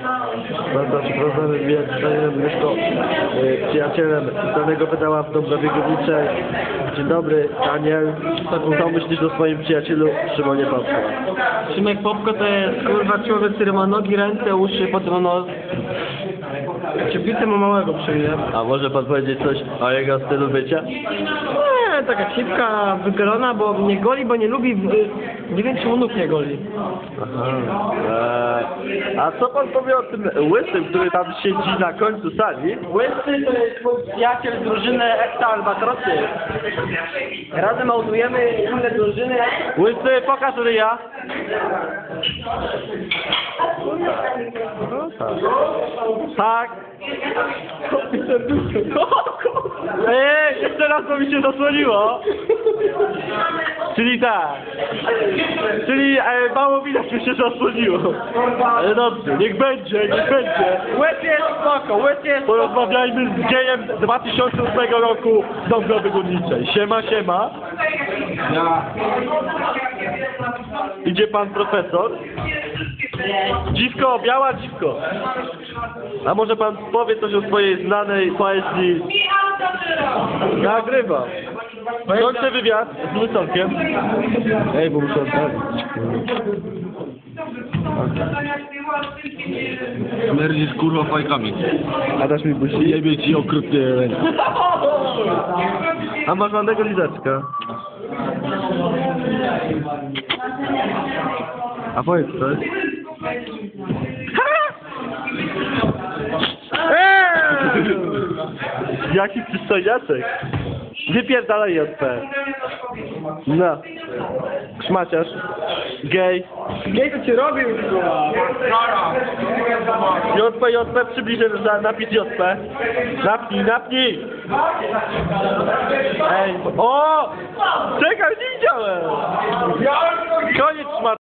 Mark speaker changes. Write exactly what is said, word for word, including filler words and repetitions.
Speaker 1: Prawda, czy problemy z Danielem Myszko, y, przyjacielem danego pedała w Dąbrowie Górniczej. Dzień dobry, Daniel. Co myślisz o swoim przyjacielu Szymonie Popko?
Speaker 2: Szymek Popko to jest kurwa człowiek, który ma nogi, ręce, uszy, potem nos. Cieplicę ma małego przy mnie.
Speaker 1: A może pan powiedzieć coś o jego stylu bycia?
Speaker 2: Nie, taka cipka, wygrana, bo mnie goli, bo nie lubi, nie wiem czy mu nóg nie goli.
Speaker 1: Aha. Eee, a co pan powie o tym łysym, który tam siedzi na końcu sali?
Speaker 2: Łysy to jest mój przyjaciel z drużyny Ekta Albatrosy. Razem autujemy inne drużyny.
Speaker 1: Łysy, pokaż ryja. Tak. Ej, jeszcze raz to mi się zasłoniło. Czyli tak. Czyli e, mało widać mi się zasłoniło. Ale dobrze, niech będzie, niech będzie.
Speaker 2: Łys jest spoko, łys jest
Speaker 1: Porozmawiajmy z gejem dwa tysiące ósmego roku w Dąbrowie Górniczej. Siema, siema. Idzie pan profesor. Dziwko, biała dziwko. A może pan powie coś o swojej znanej poezji? Nagrywam. Kończę wywiad z Łysolkiem. Ej, bo muszę odprawić.
Speaker 3: Śmierdzisz kurwa fajkami.
Speaker 1: A dasz mi buzi?
Speaker 3: Jebie ci okrutnie ręce.
Speaker 1: A masz ładnego lizaczka. A powiedz coś. Eee! Jaki przystojniaczek. Wypierdalaj J P. No. Szmaciarz. Gej.
Speaker 2: Gej to ci robił, kurwa.
Speaker 1: J P, J P, przybliżę na napis J P. Napnij, napnij. Ej. O! Czekaj, nie widziałem. Koniec szmat.